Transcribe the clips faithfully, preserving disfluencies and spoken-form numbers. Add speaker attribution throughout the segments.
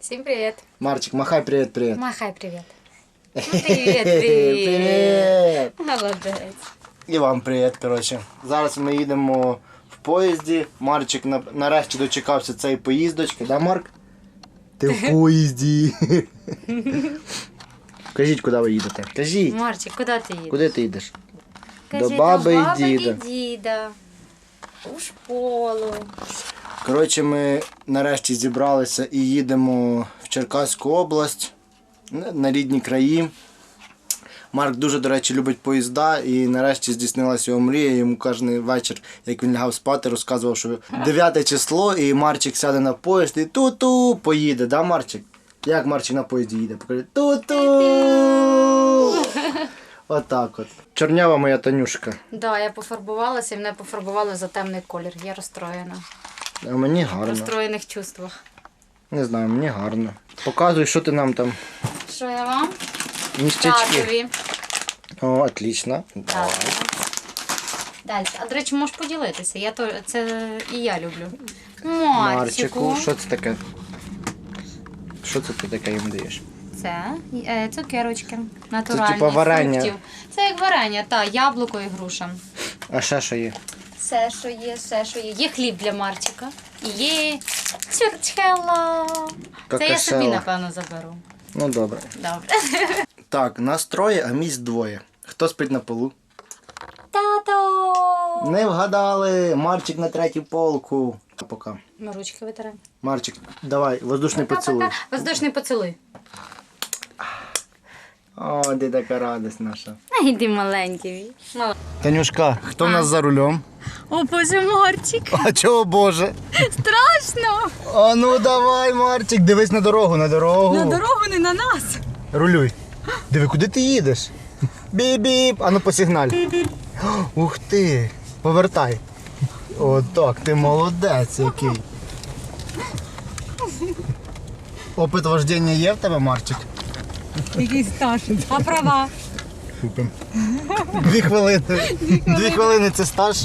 Speaker 1: Всім привіт.
Speaker 2: Марчик, махай привіт-привіт.
Speaker 1: Махай привіт. Ну, привіт, привіт.
Speaker 2: Привіт.
Speaker 1: Молодець.
Speaker 2: І вам привіт, коротше. Зараз ми їдемо в поїзді. Марчик на- нарешті дочекався цієї поїздочки, да, Марк? Ти в поїзді. Кажіть, куди ви їдете. Кажіть,
Speaker 1: Марчик, куди ти їдеш?
Speaker 2: куди ти їдеш?
Speaker 1: Кажи,
Speaker 2: До баби і
Speaker 1: баби
Speaker 2: діда.
Speaker 1: і діда. У школу.
Speaker 2: Коротше, ми нарешті зібралися і їдемо в Черкаську область, на на рідні краї. Марк дуже, до речі, любить поїзда і нарешті здійснилася його мрія. Йому кожен вечір, як він лягав спати, розказував, що дев'яте число і Марчик сяде на поїзд і ту-ту поїде, да, Марчик? Як Марчик на поїзді їде? Покажи, ту-ту! Отак от. Чорнява моя Танюшка.
Speaker 1: Да, я пофарбувалася і мене пофарбували за темний колір. Я розстроєна.
Speaker 2: А мені
Speaker 1: В
Speaker 2: гарно.
Speaker 1: розстроєних чувствах.
Speaker 2: Не знаю, мені гарно. Показуй, що ти нам там.
Speaker 1: Що я вам?
Speaker 2: Ніштячки.
Speaker 1: Татові.
Speaker 2: О, отлично. Давай.
Speaker 1: Далі. А, до речі, можеш поділитися. Я то, це і я люблю.
Speaker 2: Марчику,
Speaker 1: Марчику.
Speaker 2: що це таке? Що це ти таке їм даєш?
Speaker 1: Це е, цукерочки. Натуральні.
Speaker 2: типа варення.
Speaker 1: Фруктів. Це як варення, так, яблуко і груша.
Speaker 2: А ще що є?
Speaker 1: Все, що є, все, що є. Є хліб для Марчика. І є чурчхела. Це я собі,
Speaker 2: Какашела.
Speaker 1: напевно, заберу.
Speaker 2: Ну добре.
Speaker 1: Добре.
Speaker 2: Так, нас троє, а місць двоє. Хто спить на полу?
Speaker 1: Тато!
Speaker 2: Не вгадали! Марчик на третій полку. Пока.
Speaker 1: Ми ручки витираємо.
Speaker 2: Марчик, давай, воздушний поцілуй.
Speaker 1: Пока-пока. Воздушний поцілуй.
Speaker 2: О, де така радість наша.
Speaker 1: Ай, йди маленький. Мала.
Speaker 2: Танюшка, хто в нас за рулем?
Speaker 1: О, Боже, Марчик.
Speaker 2: А чого, Боже?
Speaker 1: Страшно.
Speaker 2: А ну давай, Марчик, дивись на дорогу, на дорогу.
Speaker 1: На дорогу не на нас.
Speaker 2: Рулюй. Диви, куди ти їдеш? Біп-біп. А ну посигналь. Ух ти. Повертай. О, так, ти молодець який. Опит вождення є в тебе, Марчик?
Speaker 1: Який стаж. А права?
Speaker 2: Купим. Дві хвилини. Дві хвилини це стаж.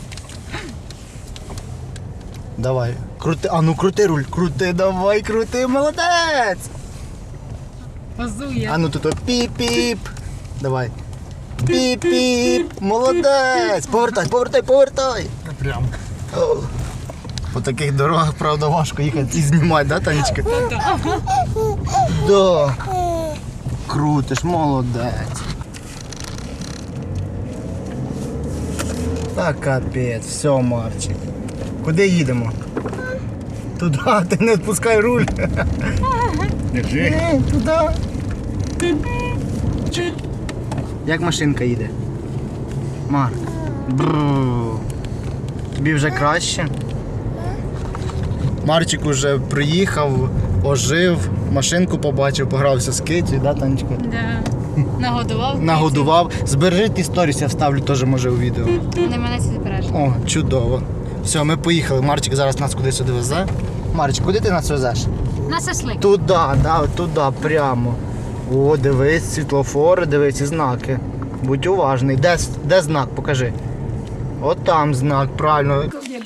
Speaker 2: Давай. Крути. А ну крути руль. Крути, давай, крути, молодець.
Speaker 1: Позує.
Speaker 2: А ну тут о, піп-піп. Давай. Піп-піп. Молодець. Повертай, повертай, повертай. Прям. О. По таких дорогах, правда, важко їхати і знімати, да, Танечка? Да. Крутиш, молодець. Та капець, все, Марчик. Куди їдемо? Туди, ти не відпускай руль. Держи. Туди. Як машинка їде? Марк. Бррр. Тобі вже краще? Марчик уже приїхав, ожив, машинку побачив, погрався з Китю, да, Танечка?
Speaker 1: Да. Нагодував.
Speaker 2: Нагодував. Збережи ті сторіс, я вставлю теж, може, у відео.
Speaker 1: Не мене сюди береш.
Speaker 2: О, чудово. Все, ми поїхали. Марчик зараз нас кудись сюди везе. Марчик, куди ти нас везеш?
Speaker 1: На сослик.
Speaker 2: Туди, да, туди, прямо. О, дивись, світлофори, дивись і знаки. Будь уважний. Де, де знак? Покажи. От там знак, правильно.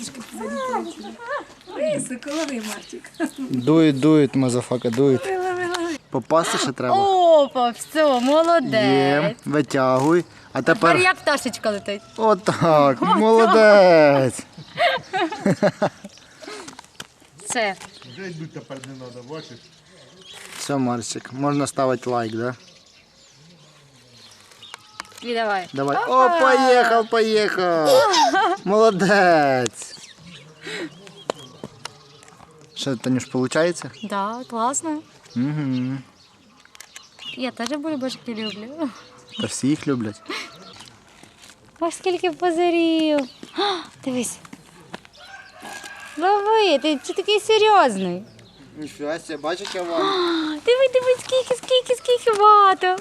Speaker 3: Високо, лови, Марчик.
Speaker 2: Дует, дует, мазафака, дует. Попасти ще треба.
Speaker 1: Опа, все, молодець.
Speaker 2: Є, витягуй. А
Speaker 1: Тепер
Speaker 2: тепер
Speaker 1: як пташечка летить.
Speaker 2: отак, молодець.
Speaker 1: Це.
Speaker 2: Все, Марчик, можна ставити лайк, да?
Speaker 1: І давай.
Speaker 2: Давай. О, поїхав, поїхав. Молодець. Що, Танюш, виходить?
Speaker 1: Да, класно.
Speaker 2: Угу.
Speaker 1: Я теж бульбашки люблю.
Speaker 2: Та всі їх люблять.
Speaker 1: Ось скільки позирів. А, дивись. Лови, ти чи такий серйозний?
Speaker 2: Ніфіга себе, бачиш, я вам.
Speaker 1: Диви, диви, скільки, скільки, скільки багато.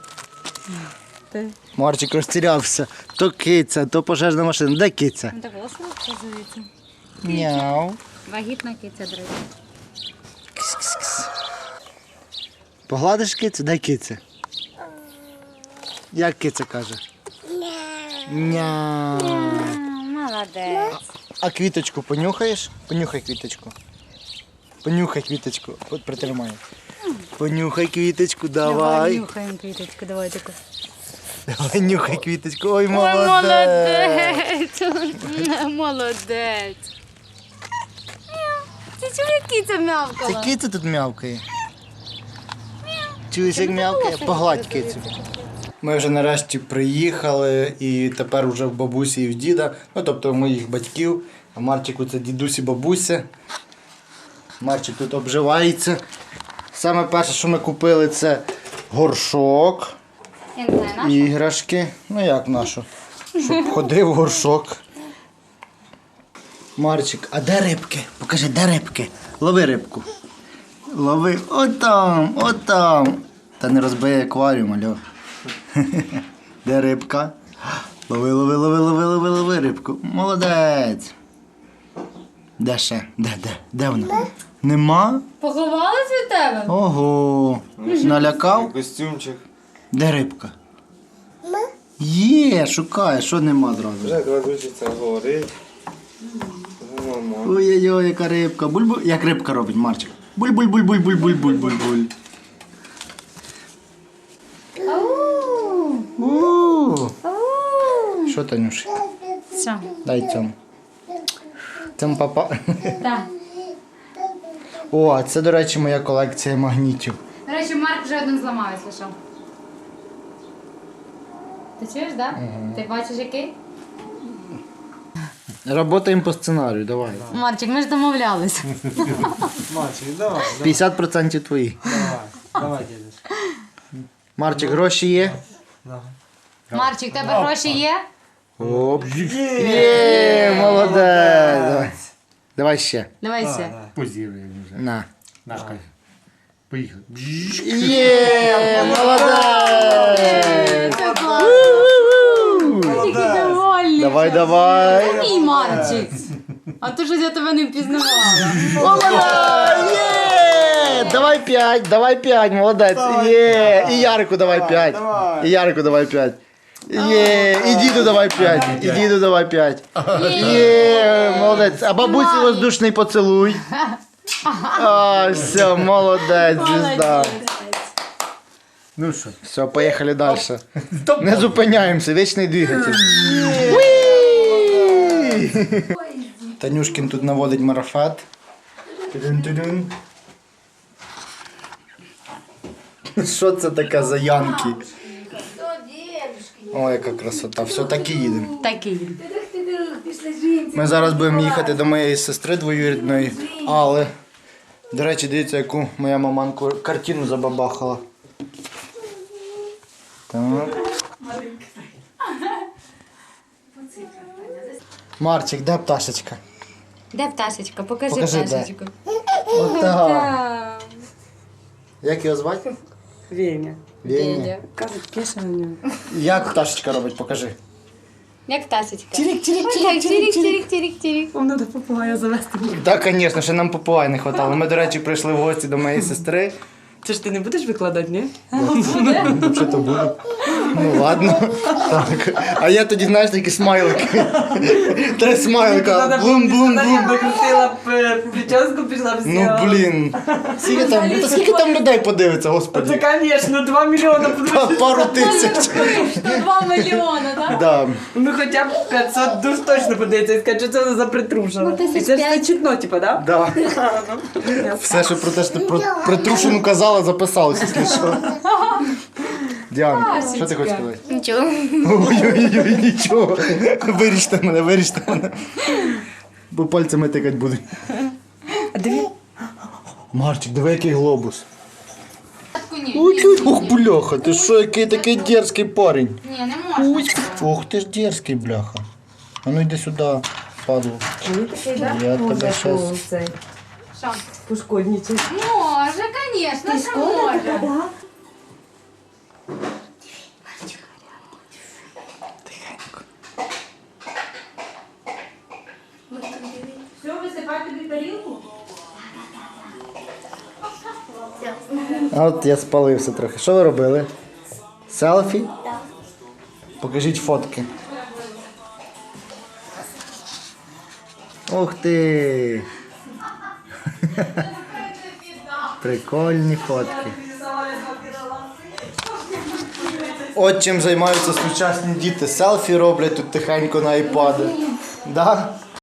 Speaker 2: Марчик розтірявся. То киця, то пожежна машина. Де киця?
Speaker 1: Так ось показується.
Speaker 2: Мяу.
Speaker 1: Вагітна киця, друзі.
Speaker 2: Кс-кс-кс. Погладиш кицю? Дай киця. Як киця каже? Няу.
Speaker 1: Молодець.
Speaker 2: А квіточку понюхаєш? Понюхай квіточку. Понюхай квіточку. От притримай. Понюхай квіточку, давай.
Speaker 1: нюхаємо квіточку, давай таку.
Speaker 2: Давай нюхай квіточку. Ой,
Speaker 1: Ой,
Speaker 2: молодець.
Speaker 1: молодець. Молодець. Ти чув, як киця
Speaker 2: Це
Speaker 1: м'явкала?
Speaker 2: киця тут м'явкає. Чуєш, як м'явкає? Погладь кицю. Ми вже нарешті приїхали і тепер вже в бабусі і в діда, ну тобто в моїх батьків, а Марчику це дідусь і бабуся. Марчик тут обживається. Саме перше, що ми купили, це горшок,
Speaker 1: Я не знаю, наш?
Speaker 2: іграшки. Ну як нашу? Щоб ходив горшок. Марчик, а де рибки? Покажи, де рибки? Лови рибку. Лови. Отам, отам. Та не розбий акваріум, альо. Де рибка? Лови, лови, лови, лови, лови, лови рибку. Молодець. Де ще? Де, де? Де вона? Нема?
Speaker 1: Поховалась від тебе?
Speaker 2: Ого. Налякав?
Speaker 4: Костюмчик.
Speaker 2: Де рибка? Є, шукає, що нема зразу.
Speaker 4: Вже кладучиться говорить. Мама.
Speaker 2: Ой-ой-ой, яка рибка. Буль-буль. Як рибка робить, Марчик? Буль-буль-буль-буль-буль-буль-буль-буль. У. Що, Танюш?
Speaker 1: Все.
Speaker 2: Дай цьому. Цьому папа.
Speaker 1: Так.
Speaker 2: О, а це, до речі, моя колекція магнітів.
Speaker 1: До речі, Марк вже один зламав, якщо що. Ти чуєш, так? Ти бачиш який?
Speaker 2: Работаємо по сценарію, давай.
Speaker 1: Марчик, ми ж домовлялись.
Speaker 4: Мальчик, давай,
Speaker 2: п'ятдесят відсотків твої.
Speaker 4: давай, давай, дідусь.
Speaker 2: Марчик, гроші є?
Speaker 4: Давай.
Speaker 1: Марчик, в тебе гроші є?
Speaker 2: Оп. Є, молодець. Давай. Давай ще.
Speaker 1: Давай ще.
Speaker 5: Позіруємо вже.
Speaker 2: На.
Speaker 5: Нашка. Поїхали.
Speaker 2: Є, молодець.
Speaker 1: Це класно. Такий довольний.
Speaker 2: Давай, давай.
Speaker 1: Мій Марчик. А то щось я тебе не впізнавала.
Speaker 2: Молодець! Є! Давай п'ять, давай п'ять, молодець. Є. І Ярику давай п'ять. І Ярику давай п'ять. Є. І діду давай п'ять. І діду давай п'ять. Є, молодець. А бабусі воздушний поцілуй. А, все, молодець, звізда.
Speaker 5: Ну що?
Speaker 2: Все, поїхали далі. Не зупиняємося, вічний двигатель. Танюшкін тут наводить марафет. Тудун-тудун. Що це таке за янки? О, яка красота. Все, так і їдемо.
Speaker 1: Такий.
Speaker 2: Ми зараз будемо їхати до моєї сестри двоюрідної, але, до речі, дивіться, яку моя маманку картину забабахала. Так. Марчик, де пташечка?
Speaker 1: Де пташечка? Покажи,
Speaker 2: Покажи, де.
Speaker 1: пташечку.
Speaker 2: Отак. Як його звати?
Speaker 3: Веня.
Speaker 2: Веня.
Speaker 3: Кажуть, пише на нього.
Speaker 2: Як пташечка робить, покажи.
Speaker 1: Як пташечка?
Speaker 2: Тірік, тірік,
Speaker 1: Тірік, тірік, тірік, тірік, тірік.
Speaker 3: Вам треба попугая завести.
Speaker 2: Так, звісно, ще нам попугай не хватало. Ми, до речі, прийшли в гості до моєї сестри.
Speaker 3: Це ж ти не будеш викладати, ні?
Speaker 2: Що то буде? Ну ладно. Так. А я тоді, знаєш, такі смайлики. Три смайлика. Блум, блум, блум.
Speaker 3: Викрутила прическу, пішла в
Speaker 2: Ну блін. Скільки там, та скільки там людей подивиться, господи?
Speaker 3: Це, звісно, два мільйони
Speaker 2: Па-
Speaker 3: подивитися.
Speaker 2: Пару тисяч.
Speaker 1: Два мільйони, так?
Speaker 2: Да.
Speaker 3: Ну хоча б п'ятсот душ точно подивиться і скаже, що це вона за притрушена.
Speaker 1: Ну, тисяч
Speaker 3: І це ж
Speaker 1: п'ять.
Speaker 3: все чутно, типу, да?
Speaker 2: Да. Все, що про те, що ти про притрушену казала, записалося, якщо що. Діана, що ти хочеш сказати?
Speaker 1: Нічого.
Speaker 2: Ой-ой-ой, нічого. Виріште мене, виріште мене. Бо пальцями тикать будуть.
Speaker 3: А диви.
Speaker 2: Марчик, диви, який глобус.
Speaker 1: Ні,
Speaker 2: Ой, ох, бляха, ти що, який такий дерзкий парень.
Speaker 1: ні, не можна.
Speaker 2: Ох, ти ж дерзкий, бляха. А ну йди сюди, падло. Я тебе щас...
Speaker 1: Що?
Speaker 3: Пошкодничай.
Speaker 1: Може, звісно, що може.
Speaker 3: Все, висипай тобі тарілку?
Speaker 2: А от я спалився трохи. Що ви робили? Селфі? Так. Покажіть фотки. Ух ти! Прикольні фотки. От чим займаються сучасні діти. Селфі роблять тут тихенько на айпади. Да?